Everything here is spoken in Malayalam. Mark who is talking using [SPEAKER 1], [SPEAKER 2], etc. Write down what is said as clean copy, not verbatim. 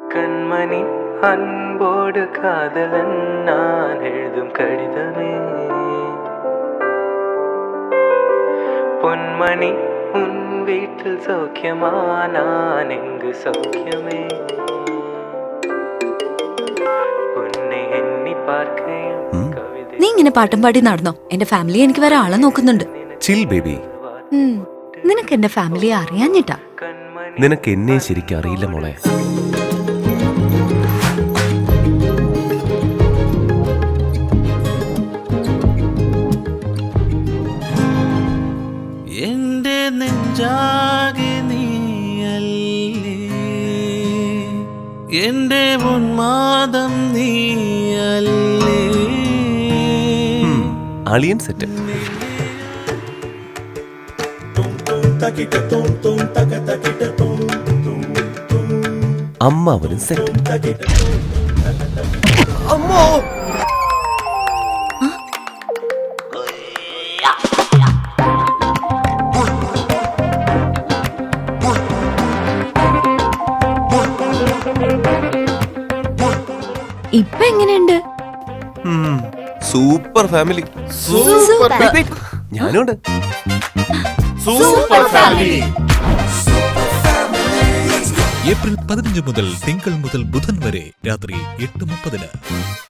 [SPEAKER 1] கண்மணி அன்போடு காதலன் நான் எழுதும் கடிதமே பொன்மணி உன் வீட்டில் சௌக்கியமா நான் எங்கு சௌக்கியமே உன்னை எண்ணி பார்க்கையும் കവിത
[SPEAKER 2] നീ ഇങ്ങനെ പാട്ടും പാടി നടന്നോ? എന്റെ ഫാമിലി എനിക്ക് വേറെ ആളെ നോക്കുന്നുണ്ട്.
[SPEAKER 3] Chill baby.
[SPEAKER 2] നിനക്ക് എന്റെ ഫാമിലിയെ അറിയാഞ്ഞിട്ടാ.
[SPEAKER 3] നിനക്ക് എന്നെ ശരിക്കും അറിയില്ല മോളെ.
[SPEAKER 4] എന്റെ നെഞ്ചാകെ നീയല്ലേ, എന്റെ ഉന്മാദം നീയല്ലേ.
[SPEAKER 3] അളിയൻ സെറ്റ്. അമ്മാവനും സെറ്റ്. അമ്മോ
[SPEAKER 2] ഇപ്പൊ എങ്ങനെയുണ്ട്?
[SPEAKER 3] Super family. ഞാനുണ്ട്.
[SPEAKER 5] ഏപ്രിൽ 15 മുതൽ തിങ്കൾ മുതൽ ബുധൻ വരെ രാത്രി 8:30.